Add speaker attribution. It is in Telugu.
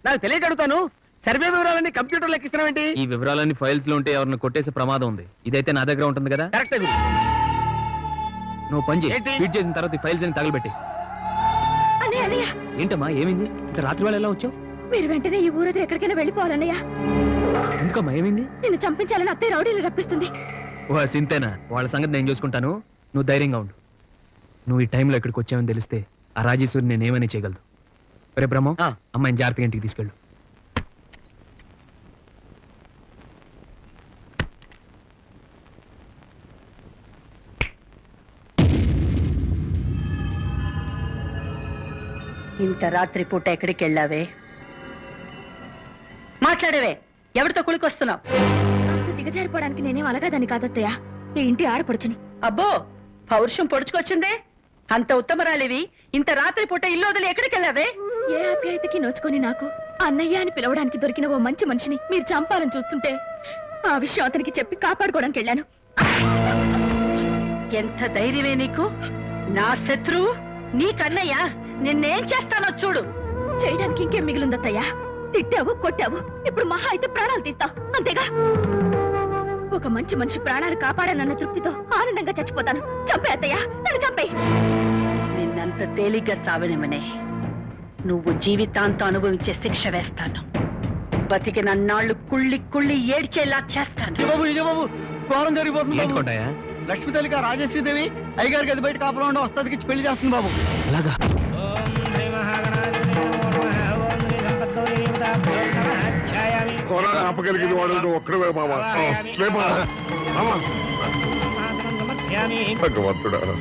Speaker 1: నాకు తెలియక అడుగుతాను. సర్వే వివరాలన్నీ కంప్యూటర్ లెక్కిస్తున్నావేంటి?
Speaker 2: ఈ వివరాలన్నీ ఫైల్స్ లో ఉంటే ఎవరిని కొట్టేసే ప్రమాదం ఉంది. ఇదైతే నా దగ్గర ఉంటుంది కదా.
Speaker 1: కరెక్ట్.
Speaker 2: నువ్వు పని చేయి.
Speaker 1: ఏంటి?
Speaker 2: ఫీడ్ చేసిన తర్వాత ఈ ఫైల్స్ అని తగలబెట్టి. ఏంటమ్మా ఏమైంది? ఇంత రాత్రి వేళ ఎలా వచ్చావు?
Speaker 3: మీరు వెంటనే ఈ ఊరు ఎక్కడికైనా వెళ్ళిపోవాలన్నయ్య.
Speaker 2: ఎందుకమ్మా ఏమైంది?
Speaker 3: నిన్ను చంపించాలని అత్తయ్య రౌడీలు రప్పిస్తుంది.
Speaker 2: ఓ సింతేనా? వాళ్ళ సంగతి నేను చూసుకుంటాను. నువ్వు ధైర్యంగా ఉండు. నువ్వు ఈ టైంలో ఎక్కడికి వచ్చావని తెలిస్తే ఆ రాజేశ్వరి నేను ఏమైనా చేయగలదు. రే బ్రహ్మం, అమ్మాయిని జాగ్రత్తగా ఇంటికి తీసుకెళ్ళు.
Speaker 4: ఇంత రాత్రి పూట ఎక్కడికి వెళ్ళావే? మాట్లాడేవే, ఎవరితో కులికొస్తున్నావు?
Speaker 3: అంత దిగజారిపోవడానికి నేనేం అలగాదని కాదత్తయ్య, ఈ ఇంటి ఆడపడుచుని.
Speaker 4: అబ్బో, పౌరుషం పొడుచుకొచ్చిందే. అంత ఉత్తమరాలివి ఇంత రాత్రి పూట ఇల్లు వదిలి ఎక్కడికి వెళ్ళావే?
Speaker 3: ఏ ఆప్యాయతకి నోచుకొని నాకు అన్నయ్య అని పిలవడానికి దొరికిన ఓ మంచి మనిషిని మీరు చంపాలని చూస్తుంటే ఆ విషయం అతనికి చెప్పి కాపాడుకోవడానికి వెళ్ళాను.
Speaker 4: ఎంత ధైర్యమే నీకు? నా శత్రువు నీకన్నయ్య. నిన్నేం చేస్తానో చూడు.
Speaker 3: చేయడానికి ఇంకేం మిగిలిందత్తయ్యా? తిట్టావు, కొట్టావు, ఇప్పుడు మహా అయితే ప్రాణాలు తీస్తావు, అంతేగా? ఒక మంచి మనిషి ప్రాణాలు కాపాడానన్న తృప్తితో ఆనందంగా చచ్చిపోతాను. చంపే అత్తయ్యా, నన్ను చంపే.
Speaker 4: నిన్నంత తేలిగ్గా చావనిమనే. నువ్వు జీవితాంతం అనుభవించే శిక్ష వేస్తాను. బతికి నన్నాళ్ళు కుళ్ళి కుళ్ళి ఏడ్చేలా చేస్తాను.
Speaker 1: బాబు ఘోరం జరిగిపోతుంది బాబు.
Speaker 2: ఏంటుకుంటాయా?
Speaker 1: లక్ష్మీ తల్లిగా రాజేశ్వరీదేవి అయ్యగారి గది బయట కాపురం ఉండే వస్తాదికి పెళ్లి చేస్తుంది బాబు.
Speaker 2: అలాగా?
Speaker 5: ఆపగలిగింది వాడు ఒక్కడే మామ. భగవంతుడా.